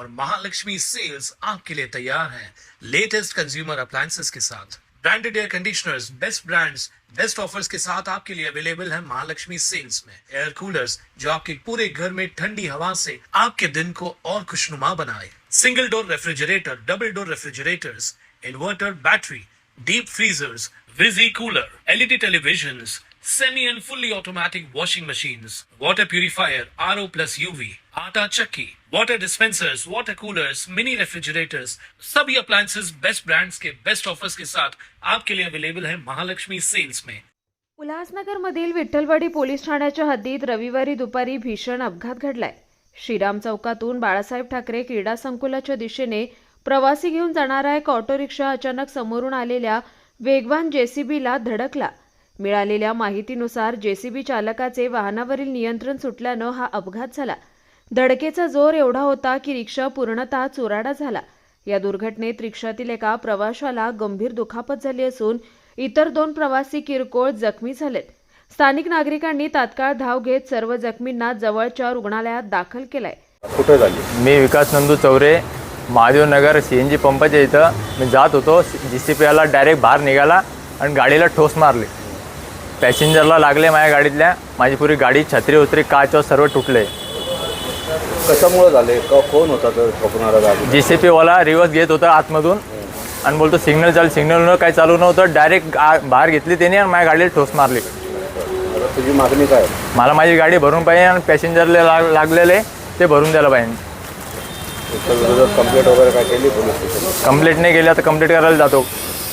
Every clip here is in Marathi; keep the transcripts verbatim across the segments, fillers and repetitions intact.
और महालक्ष्मी सेल्स आपके लिए तैयार है लेटेस्ट कंज्यूमर अप्लायंसेस के साथ। Branded air conditioners, best brands, best offers के साथ आपके लिए अवेलेबल है महालक्ष्मी सेल्स में। एयर कूलर्स जो आपके पूरे घर में ठंडी हवा से आपके दिन को और खुशनुमा बनाए। Single door refrigerator, double door refrigerators, inverter battery, deep freezers, विजी cooler, LED televisions, semi and fully automatic washing machines, water purifier, RO plus UV, आटा चक्की, water dispensers, water coolers, mini refrigerators, सभी अप्लायंसेस बेस्ट ब्रांड्स के बेस्ट ऑफर्स के साथ आपके लिए अवेलेबल है महालक्ष्मी सेल्स में। उल्हासनगरमधील विठ्ठलवाडी पोलीस ठाण्याच्या हद्दीत रविवारी दुपारी भीषण अपघात घडलाय। श्रीराम चौकातून बाळासाहेब ठाकरे क्रीडा संकुलाच्या दिशेने प्रवासी घेऊन जाणारा एक ऑटो रिक्षा अचानक समोरून आलेल्या वेगवान जेसीबीला धडकला। मिळालेल्या माहितीनुसार जेसीबी चालकाचे वाहनावरील नियंत्रण सुटल्यानं हा अपघात झाला। धडकेचा जोर एवढा होता की रिक्षा पूर्णतः चुराडा झाला। या दुर्घटनेत रिक्षातील एका प्रवाशाला गंभीर दुखापत झाली असून इतर दोन प्रवासी किरकोळ जखमी झालेत। स्थानिक नागरिकांनी तात्काळ धाव घेत सर्व जखमींना जवळच्या रुग्णालयात दाखल केलंय। कुठे झाली? मी विकास नंदू चौरे, महादेव नगर सीएनजी पंपाच्या इथं मी जात होतो। जीसीपीला डायरेक्ट बाहेर निघाला आणि गाडीला ठोस मारली। पॅसेंजरला लागले माझ्या गाडीतल्या, माझी पुरी गाडी छत्री उतरी काच सर्व तुटले। कशामुळे झाले? कोण होता तर ठोकणारा गाडी? जीसीपी वाला रिवर्स घेत होता आतमधून आणि बोलतो सिग्नल चालू, सिग्नल काही चालू नव्हतं, डायरेक्ट बाहेर घेतली त्याने आणि माझ्या गाडीला ठोस मारली। तुझी मागणी काय? मला माझी गाडी भरून पाहिजे आणि पॅसेंजरला लाग लागलेले ते भरून द्यायला पाहिजे। कंप्लेंट वगैरे काय केली पोलीस स्टेशन? कंप्लेंट नाही केली, आता कंप्लेंट करायला जातो।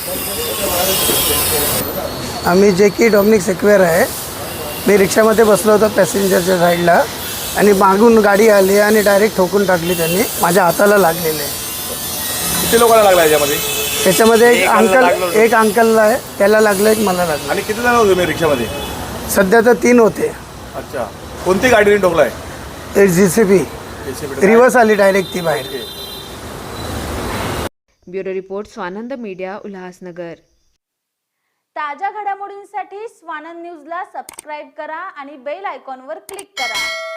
आम्ही जे की डॉमिनिक सेक्वेअर आहे। मी रिक्षामध्ये बसलो होतो पॅसेंजरच्या साईडला आणि मागून गाडी आली आणि डायरेक्ट ठोकून टाकली त्यांनी। माझ्या हाताला लागलेले। किती लोकांना लागला याच्यामध्ये? त्याच्यामध्ये एक अंकल एक अंकलला आहे, त्याला लागलं, एक मला लागलं। आणि किती जण होते मी रिक्षामध्ये? सध्या तर तीन होते। अच्छा, कोणती गाडीने ठोकलाय? एक जी सी बी रिवर्स आली डायरेक्ट ती बाहेर। Bureau report Swanand media, Ulhasnagar. ताज्या घडामोडींसाठी स्वानंद न्यूजला सबस्क्राईब करा आणि बेल आयकॉनवर क्लिक करा।